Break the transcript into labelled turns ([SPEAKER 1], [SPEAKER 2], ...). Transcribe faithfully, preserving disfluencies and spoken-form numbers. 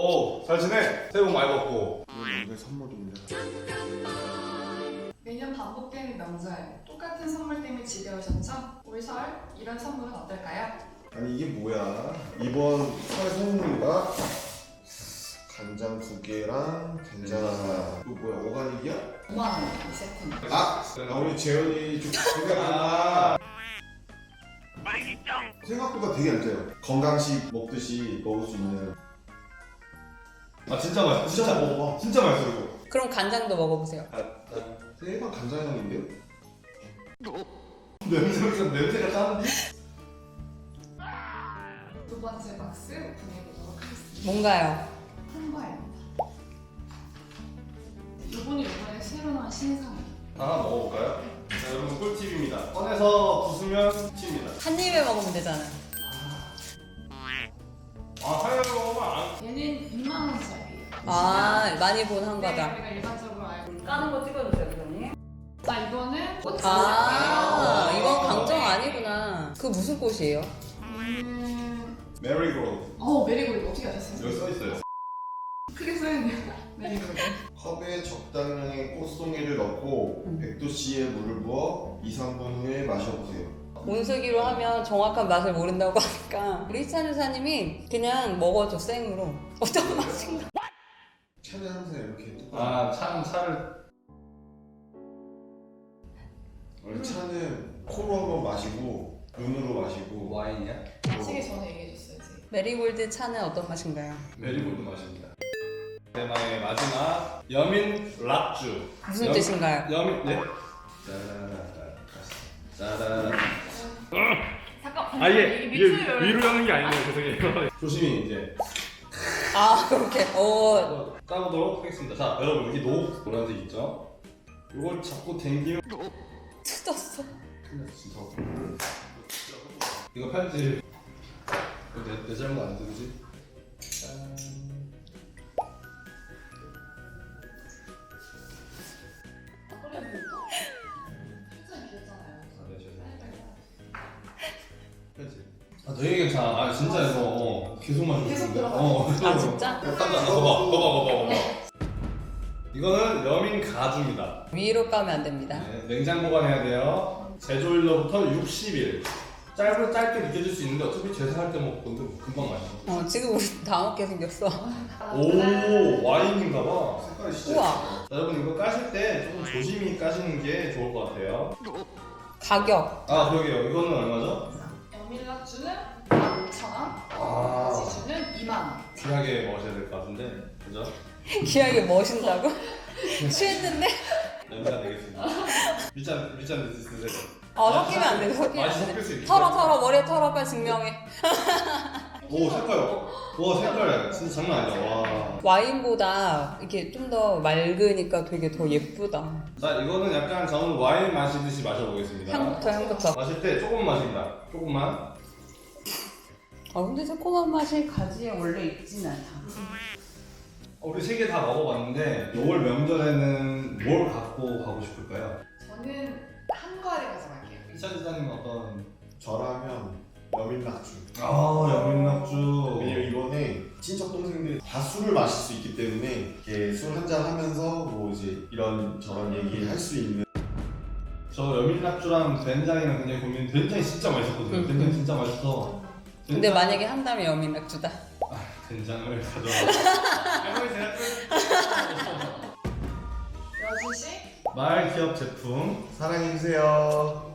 [SPEAKER 1] 오, 잘 지내? 새해 복 많이 받고.
[SPEAKER 2] 이게 선물입니다.
[SPEAKER 3] 매년 반복되는 명절, 똑같은 선물 때문에 지겨우셨죠? 올 설 이런 선물은 어떨까요?
[SPEAKER 2] 아니 이게 뭐야? 이번 설 선물인가? 간장 두 개랑 된장 하나. 이거 뭐야? 오가닉이야?
[SPEAKER 3] 오만 원 이 세트는.
[SPEAKER 2] 아! 아 우리 재현이 좀 생각보다 생각보다 되게 안 짜요. 건강식 먹듯이 먹을 수 있는.
[SPEAKER 1] 아, 진짜 맛있어.
[SPEAKER 2] 진짜
[SPEAKER 1] 진짜,
[SPEAKER 2] 먹어봐.
[SPEAKER 1] 진짜 맛있어, 이거.
[SPEAKER 4] 그럼 간장도 먹어보세요.
[SPEAKER 1] 아, 아.
[SPEAKER 2] 일반 간장형인데?
[SPEAKER 1] 냄새가, 냄새가 짜는데?
[SPEAKER 3] 두 번째 박스 오픈해보도록 하겠습니다.
[SPEAKER 4] 뭔가요?
[SPEAKER 3] 한과입니다. 이분이 이번에 새로 나온 신상이에요.
[SPEAKER 1] 하나 먹어볼까요? 자, 여러분 꿀팁입니다. 꺼내서 부수면 팁입니다.
[SPEAKER 4] 한 입에 먹으면 되잖아.
[SPEAKER 1] 아, 하얀 먹으면 안.
[SPEAKER 3] 얘는 이만 원짜리예요.
[SPEAKER 4] 아, 많이 본 한과다.
[SPEAKER 3] 네, 우리가 일반적으로 알고 있는.
[SPEAKER 4] 까는 거 찍어주세요, 선생님.
[SPEAKER 3] 자, 이거는 꽃
[SPEAKER 4] 아,
[SPEAKER 3] 색깔이에요.
[SPEAKER 4] 이건 강정 아니구나. 그 무슨 꽃이에요?
[SPEAKER 3] 음...
[SPEAKER 1] 메리골드.
[SPEAKER 3] 어, 메리골드 어떻게 아셨어요?
[SPEAKER 1] 여기 써있어요.
[SPEAKER 3] 크게 써있네요. 메리골드.
[SPEAKER 2] 컵에 적당량의 꽃송이를 넣고
[SPEAKER 4] 음.
[SPEAKER 2] 백 도씨의 물을 부어 이, 삼 분 후에 마셔보세요.
[SPEAKER 4] 온수기로 하면 정확한 맛을 모른다고 하니까 우리 희찬 여사님이 그냥 먹어줘, 생으로. 어떤 맛인가?
[SPEAKER 2] 차는 항상 이렇게 뚜껑.
[SPEAKER 1] 아, 차, 차를.
[SPEAKER 2] 원래 차는 코로 한번 마시고 눈으로 마시고.
[SPEAKER 1] 와인이야?
[SPEAKER 3] 마시기 전에 얘기해줬어야지.
[SPEAKER 4] 메리골드 차는 어떤 맛인가요?
[SPEAKER 1] 메리골드 맛입니다. 대망의 마지막 여민 락주.
[SPEAKER 4] 무슨
[SPEAKER 1] 여-
[SPEAKER 4] 뜻인가요?
[SPEAKER 1] 여민 네. 짜라라.
[SPEAKER 3] 잠깐.
[SPEAKER 1] 아 이게 이게 위로 하는 게 아니네요. 죄송해요. 조심히 이제
[SPEAKER 4] 아, 그렇게. 어,
[SPEAKER 1] 까보도록 하겠습니다. 자, 여러분 여기 녹 노란색 있죠? 이걸 자꾸 당기면
[SPEAKER 4] 뜯었어.
[SPEAKER 1] 큰일 났어, 진짜. 이거 편집. 이거 내, 내 잘못 안 되지? 짠. 아, 되게 괜찮아. 아, 진짜 이거 어, 계속 마시고
[SPEAKER 3] 계속
[SPEAKER 1] 싶은데.
[SPEAKER 3] 들어가.
[SPEAKER 1] 어,
[SPEAKER 4] 아, 진짜?
[SPEAKER 1] 딱 봐, 봐봐, 봐봐, 봐봐, 봐봐. 이거는 여민 가주입니다.
[SPEAKER 4] 위로 까면 안 됩니다.
[SPEAKER 1] 네, 냉장 보관해야 돼요. 제조일로부터 육십 일. 짧은 짧게 느껴질 수 있는데 어차피 제사할 때 먹을 건데 뭐 금방 마셔.
[SPEAKER 4] 어, 지금 우리 다 먹게 생겼어.
[SPEAKER 1] 오, 와인인가봐.
[SPEAKER 2] 색깔이 진짜.
[SPEAKER 4] 우와.
[SPEAKER 1] 자, 여러분 이거 까실 때 조금 조심히 까시는 게 좋을 것 같아요.
[SPEAKER 4] 가격.
[SPEAKER 1] 아, 그러게요. 이거는 얼마죠?
[SPEAKER 3] 여밀락주는 만 오천 원,
[SPEAKER 1] 아,
[SPEAKER 3] 지주는 이만 원.
[SPEAKER 1] 귀하게 먹으셔야 될 것 같은데, 그죠?
[SPEAKER 4] 귀하게 멋있다고? 취했는데?
[SPEAKER 1] 냄새가 되겠습니다. 밑잔 밑잔 드세요.
[SPEAKER 4] 어, 섞이면 안 돼, 섞이면
[SPEAKER 1] 맛이
[SPEAKER 4] 안
[SPEAKER 1] 섞일 수
[SPEAKER 4] 돼.
[SPEAKER 1] 있게.
[SPEAKER 4] 털어, 털어, 머리에 털어, 빨리 증명해.
[SPEAKER 1] 오, 색깔. 와, 색깔 진짜 장난 아니다. 와.
[SPEAKER 4] 와인보다 이렇게 좀 더 맑으니까 되게 더 예쁘다.
[SPEAKER 1] 자, 이거는 약간 저는 와인 마시듯이 마셔보겠습니다.
[SPEAKER 4] 향부터, 향부터.
[SPEAKER 1] 마실 때 조금 마신다. 조금만.
[SPEAKER 4] 아, 근데 새콤한 맛이 가지에 원래 있진 않다.
[SPEAKER 1] 어, 우리 세 개 다 먹어봤는데 올 명절에는 뭘 갖고 가고 싶을까요?
[SPEAKER 3] 저는 한과를 가져갈게요.
[SPEAKER 1] 희찬 지사님 어떤?
[SPEAKER 2] 저라면 여민낙주.
[SPEAKER 1] 아, 여민낙주.
[SPEAKER 2] 왜냐면 이번에 친척 동생들이 다 술을 마실 수 있기 때문에 이렇게 술 한잔 하면서 뭐 이제 이런 저런 얘기 할 수 있는.
[SPEAKER 1] 저 여민낙주랑 된장이랑 굉장히 고민. 된장이 진짜 맛있었거든요.
[SPEAKER 4] 음.
[SPEAKER 1] 된장이 진짜 맛있어.
[SPEAKER 4] 근데
[SPEAKER 1] 된장-
[SPEAKER 4] 만약에 한다면 여민낙주다.
[SPEAKER 1] 아, 된장을 가져와. 할머니 제가
[SPEAKER 3] 여주씨
[SPEAKER 1] 말 기업 제품
[SPEAKER 2] 사랑해주세요.